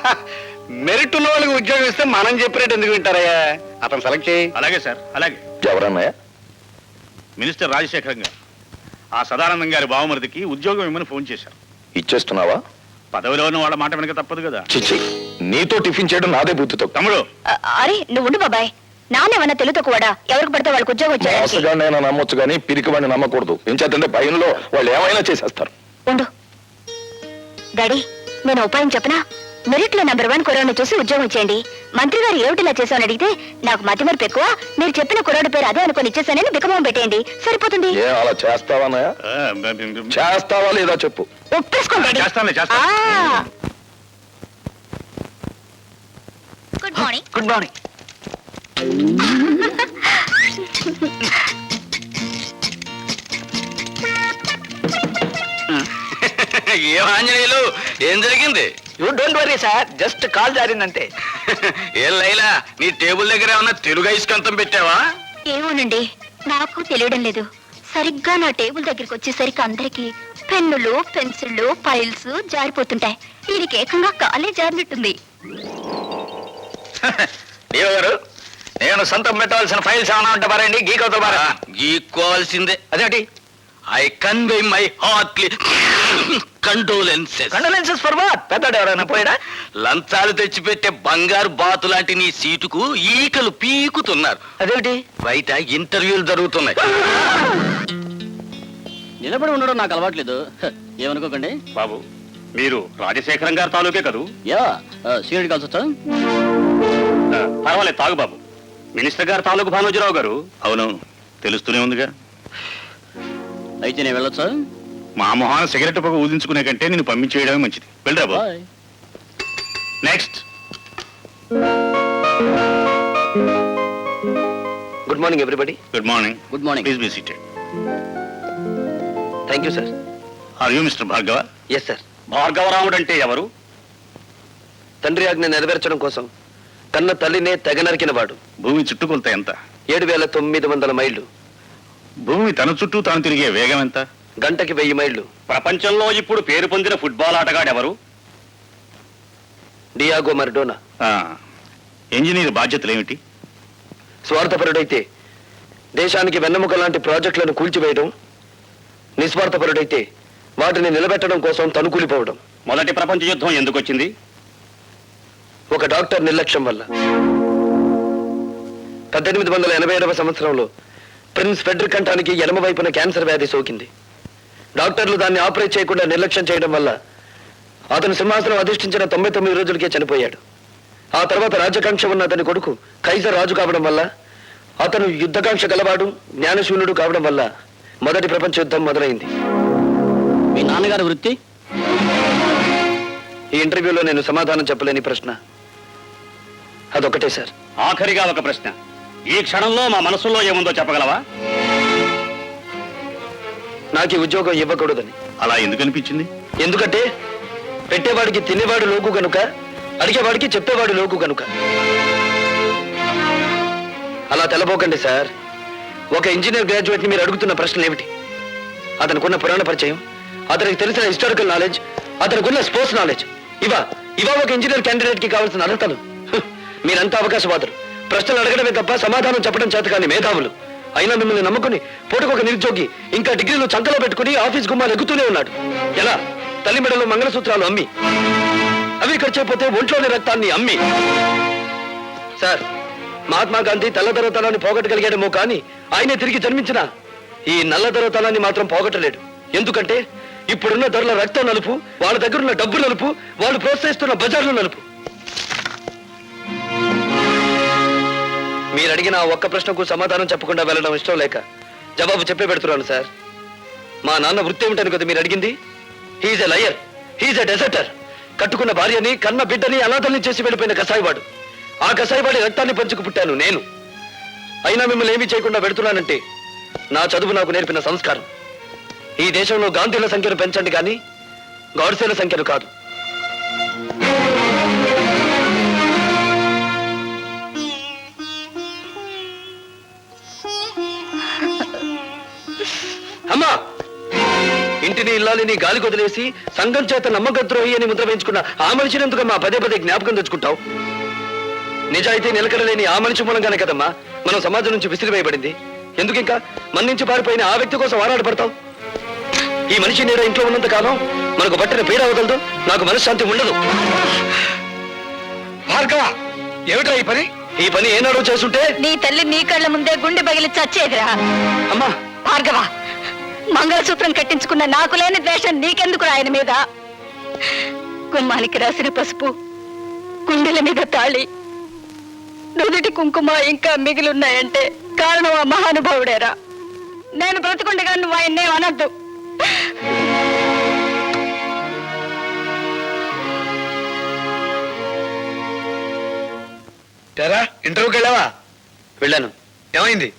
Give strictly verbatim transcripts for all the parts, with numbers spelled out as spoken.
Merit ఉన్న వాళ్ళకి ఉద్యోగం ఇస్తే మనం చెప్పినట్టు ఎందుకు వింటారయ్యా? అతను సెలెక్ట్ చేయి. అలాగే సార్, అలాగే. ఎవరన్నాయా? మినిస్టర్ రాజశేఖరం గారు ఆ సదానందం గారి బావమరిదికి ఉద్యోగం ఇమ్మని ఫోన్ చేశారు. ఇచ్చేస్తున్నావా? పదవిలో ఉన్న వాళ్ళ మాట వెనక తప్పదు కదా. చిచ్చి, నీతో టిఫిన్ చేయడం నాదే బుద్ధితో. తమ్ముడు, అరే నువ్వు ఉండు బాబాయ్. నానేమన్నా తెలుతో కూడా ఎవరికి పడితే వాళ్ళకి ఉద్యోగం వచ్చాడు. మోసగాడినైనా నమ్మొచ్చు కానీ పిరికి వాడిని నమ్మకూడదు. ఏం చేద్దంటే భయంలో వాళ్ళు ఏమైనా చేసేస్తారు. ఉండు డాడీ, నేను ఉపాయం చెప్పనా? మెరిట్ లో నెంబర్ వన్ కురాడు చూసి ఉద్యోగం ఇచ్చేయండి. మంత్రి గారు ఏమిటిలా చేశామని అడిగితే నాకు మతి మరపు ఎక్కువ, మీరు చెప్పిన కురాడు పేరు అదే అనుకుని ఇచ్చేసానని బికమం పెట్టేయండి, సరిపోతుంది. ఏ అలా చేస్తావానయా? చేస్తావా లేదా చెప్పు. ఒప్పేసుకోండి. చేస్తానులే, చేస్తాను. Good morning. Good morning. ఏం ఆంజనేయులు, ఏం జరిగింది? You don't worry sir, just call జారిందంటే. ఏం లైలా, నీ టేబుల్ దగ్గర ఏమన్నా తెలుగు ఐస్కంతం పెట్టావా? ఏమోనండి, నాకు తెలియడం లేదు. సరిగ్గా నా టేబుల్ దగ్గరికి వచ్చేసరికి అందరికి పెన్నులు, పెన్సిళ్ళు, ఫైల్స్ జారిపోతుంటాయి. దీనికి ఏకంగా కాలే జారినట్టుంది. దేవ గారు, నేను సొంతం పెట్టవలసిన ఫైల్స్ ఏమైనా ఉంటే పారండి. గీకవుతా పారా? గీక్కోవాల్సిందే. అదేంటి? I convey my heartly condolences. Condolences for what? పెద్దడు ఎవరైనా పోయాడా? లంచాలు తెచ్చిపెట్టే బంగారు బాతు లాంటి నీ సీటుకు ఈకలు పీకుతున్నారు. అదేంటి? బయట ఇంటర్వ్యూలు జరుగుతున్నాయి. నిలబడి ఉండడం నాకు అలవాట్లేదు, ఏమనుకోకండి. బాబు, మీరు రాజశేఖరం గారి తాలూకే కదూ? యా, సీనియర్ కలిసి వచ్చా? పర్వాలేదు, తాగు బాబు. మినిస్టర్ గారు తాలూకు భానోజీరావు గారు. అవునవును, తెలుస్తూనే ఉందిగా. అయితే నేను వెళ్ళొచ్చా? మా మొహాన సిగరెట్ పొగ ఊదించుకునే కంటే నేను పంపించేయడమే మంచిది. వెళ్ళరా బాబు. Next. Good morning everybody. Good morning. Good morning. Please be seated. Thank you sir. Are you mister Bhargava? Yes sir. Bhargavaramudu అంటే ఎవరు? తండ్రి ఆజ్ఞ నెరవేర్చడం కోసం కన్న తల్లినే తెగ నరికిన వాడు. భూమి చుట్టుకొలత ఎంత? ఏడు వేల తొమ్మిది వందల మైళ్ళు. భూమి తన చుట్టూ తాను తిరిగే వేగం ఎంత? గంటకి వెయ్యి మైళ్ళు. ప్రపంచంలో ఇప్పుడు పేరు పొందిన ఫుట్బాల్ ఆటగాడు ఎవరు? డియాగో మరడోనా. ఇంజనీర్ బాధ్యతలు ఏమిటి? స్వార్థపరుడైతే దేశానికి వెన్నెముక లాంటి ప్రాజెక్టులను కూల్చివేయడం, నిస్వార్థపరుడైతే వాటిని నిలబెట్టడం కోసం తనుకూలిపోవడం. మొదటి ప్రపంచ యుద్ధం ఎందుకు వచ్చింది? ఒక డాక్టర్ నిర్లక్ష్యం వల్ల. పద్దెనిమిది వందల ఎనభై ఏడవ సంవత్సరంలో ప్రిన్స్ ఫెడ్రిక్ కంఠానికి ఎడమ వైపున క్యాన్సర్ వ్యాధి సోకింది. డాక్టర్లు దాన్ని ఆపరేట్ చేయకుండా నిర్లక్ష్యం చేయడం వల్ల అతను సింహాసనం అధిష్ఠించిన తొంభై తొమ్మిది రోజులకే చనిపోయాడు. ఆ తర్వాత రాజకాంక్ష ఉన్న అతని కొడుకు కైజర్ రాజు కావడం వల్ల, అతను యుద్ధకాంక్ష గలవాడు, జ్ఞానశూన్యుడు కావడం వల్ల మొదటి ప్రపంచ యుద్ధం మొదలైంది. మీ నాన్నగారి వృత్తి? ఈ ఇంటర్వ్యూలో నేను సమాధానం చెప్పలేని ప్రశ్న అదొకటే సార్. ఆఖరిగా ఒక ప్రశ్న. ఈ క్షణంలో మా మనసులో ఏముందో చెప్పగలవా? నాకు ఈ ఉద్యోగం ఇవ్వకూడదని. అలా ఎందుకు అనిపించింది? ఎందుకంటే పెట్టేవాడికి తినేవాడు లోకు గనుక, అడిగేవాడికి చెప్పేవాడు లోకు గనుక. అలా తెలబోకండి సార్. ఒక ఇంజనీర్ గ్రాడ్యుయేట్ ని మీరు అడుగుతున్న ప్రశ్నలు ఏమిటి? అతనికున్న పురాణ పరిచయం, అతనికి తెలిసిన హిస్టారికల్ నాలెడ్జ్, అతనికున్న స్పోర్ట్స్ నాలెడ్జ్, ఇవా ఇవా ఒక ఇంజనీర్ క్యాండిడేట్ కి కావాల్సిన అర్హతలు. మీరంతా అవకాశవాదులు. ప్రశ్నలు అడగడమే తప్ప సమాధానం చెప్పడం చేత కాని మేధావులు. అయినా మిమ్మల్ని నమ్ముకుని పూటకొక నిరుద్యోగి ఇంకా డిగ్రీలు చంకలో పెట్టుకుని ఆఫీస్ గుమ్మాలు ఎక్కుతూనే ఉన్నాడు. ఎలా? తల్లి మెడలో మంగళసూత్రాలు అమ్మి, అవి ఖర్చైపోతే ఒంట్లోని రక్తాన్ని అమ్మి. సార్, మహాత్మా గాంధీ తెల్లదొరతనాన్ని పోగొట్టగలిగాడేమో కానీ ఆయనే తిరిగి జన్మించిన ఈ నల్లదొరతనాన్ని మాత్రం పోగొట్టలేడు. ఎందుకంటే ఇప్పుడున్న ధరల రక్తం నలుపు, వాళ్ళ దగ్గరున్న డబ్బు నలుపు, వాళ్ళు ప్రోత్సహిస్తున్న బజార్లు నలుపు. మీరు అడిగిన ఒక్క ప్రశ్నకు సమాధానం చెప్పకుండా వెళ్ళడం ఇష్టం లేక జవాబు చెప్పే పెడుతున్నాను సార్. మా నాన్న వృత్తి ఏమిటని కదా మీరు అడిగింది? He's a liar, he's a deserter. కట్టుకున్న భార్యని, కన్న బిడ్డని అనాథల్ని చేసి వెళ్ళిపోయిన కసాయివాడు. ఆ కసాయివాడి రక్తాన్ని పంచుకు పుట్టాను నేను. అయినా మిమ్మల్ని ఏమీ చేయకుండా పెడుతున్నానంటే నా చదువు నాకు నేర్పిన సంస్కారం. ఈ దేశంలో గాంధీల సంఖ్యను పెంచండి కానీ గాడ్సేల సంఖ్యను కాదు. అమ్మా, ఇంటిని ఇల్లాలిని గాలి కొదిలేసి సంఘం చేత నమ్మకద్రోహి అని ముద్ర వేయించుకున్న ఆ మనిషిని ఎందుకమ్మా పదే పదే జ్ఞాపకం తెచ్చుకుంటావు? నిజాయితీ నిలకడలేని ఆ మనిషి మూలంగానే కదమ్మా మనం సమాజం నుంచి విసిరివేయబడింది. ఎందుకు ఇంకా మన నుంచి పారిపోయిన ఆ వ్యక్తి కోసం ఆరాటపడతావు? ఈ మనిషి నీడ ఇంట్లో ఉన్నంత కాలం మనకు పట్టిన పీడ అవగలదు, నాకు మనశ్శాంతి ఉండదు. భార్గవ, ఏమిట్రా ఈ పని? ఈ పని ఏనాడో చేస్తుంటే నీ తల్లి నీ కళ్ళ ముందే గుండె పగిలి చచ్చేదిరా. అమ్మా భార్గవ, మంగళసూత్రం కట్టించుకున్న నాకు లేని ద్వేషం నీకెందుకు ఆయన మీద? గుమ్మానికి రాసిన పసుపు, గుండెల మీద తాళి, నుదుటి కుంకుమ ఇంకా మిగిలిన్నాయంటే కారణం ఆ మహానుభావుడేరా. నేను బ్రతుకుండగా నువ్వు ఆయన్నే అనద్దు. తెరా ఇంటర్వ్యూకి వెళ్ళావా? వెళ్ళాను. ఏమైంది?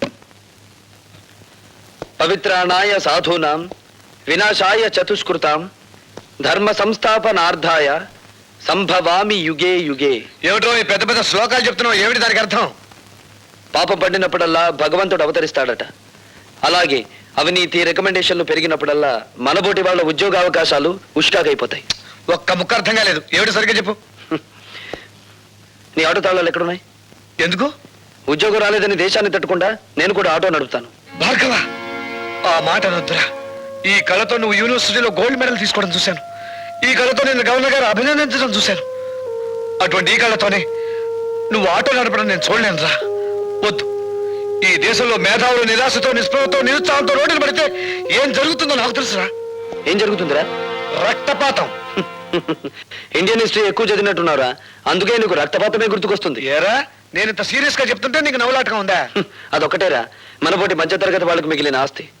పవిత్రాణాయ సాధూనాం వినాశాయ చతుష్కృతాం ధర్మ సంస్థాపనార్థాయ సంభవామి యుగే యుగే. ఏమిటో ఈ పెద్ద పెద్ద శ్లోకాలు చెప్తున్నావు, ఏమిటి దానికి అర్థం? పాపం పడినప్పుడల్లా భగవంతుడు అవతరిస్తాడట. అలాగే అవినీతి రికమెండేషన్లు పెరిగినప్పుడల్లా మనబోటి వాళ్ళ ఉద్యోగ అవకాశాలు ఉష్కాకైపోతాయి. ఒక్క ముక్క అర్థం కాలేదు, ఏమిటి సరిగ్గా చెప్పు. నీ ఆటో తాళాలు ఎక్కడున్నాయి? ఎందుకు? ఉద్యోగం రాలేదని దేశాన్ని తట్టుకుండా నేను కూడా ఆటో నడుపుతాను. భార్గవ, ఆ మాట అనొద్దురా. ఈ కళతో నువ్వు యూనివర్సిటీలో గోల్డ్ మెడల్ తీసుకోవడం చూశాను. ఈ కళతో నేను గవర్నర్ గారు అభినందించడం చూశాను. అటువంటి ఈ కళతోనే నువ్వు ఆటో నడపడం నేను చూడలేను రా. వద్దు. ఈ దేశంలో మేధావులు నిరాశతో, నిస్పృహతో, నిరుత్సాహంతో రోడ్డులు పడితే ఏం జరుగుతుందో నాకు తెలుసురా. ఏం జరుగుతుందిరా? రక్తపాతం. ఇండియన్ హిస్టరీ ఎక్కువ చదివినట్టున్నారా, అందుకే నీకు రక్తపాతమే గుర్తుకొస్తుంది. ఏరా, నేను ఇంత సీరియస్ గా చెప్తుంటే నీకు నవ్వులాటగా ఉందా? అదొక్కటేరా మనపోటి మధ్యతరగతి వాళ్ళకు మిగిలిన ఆస్తి.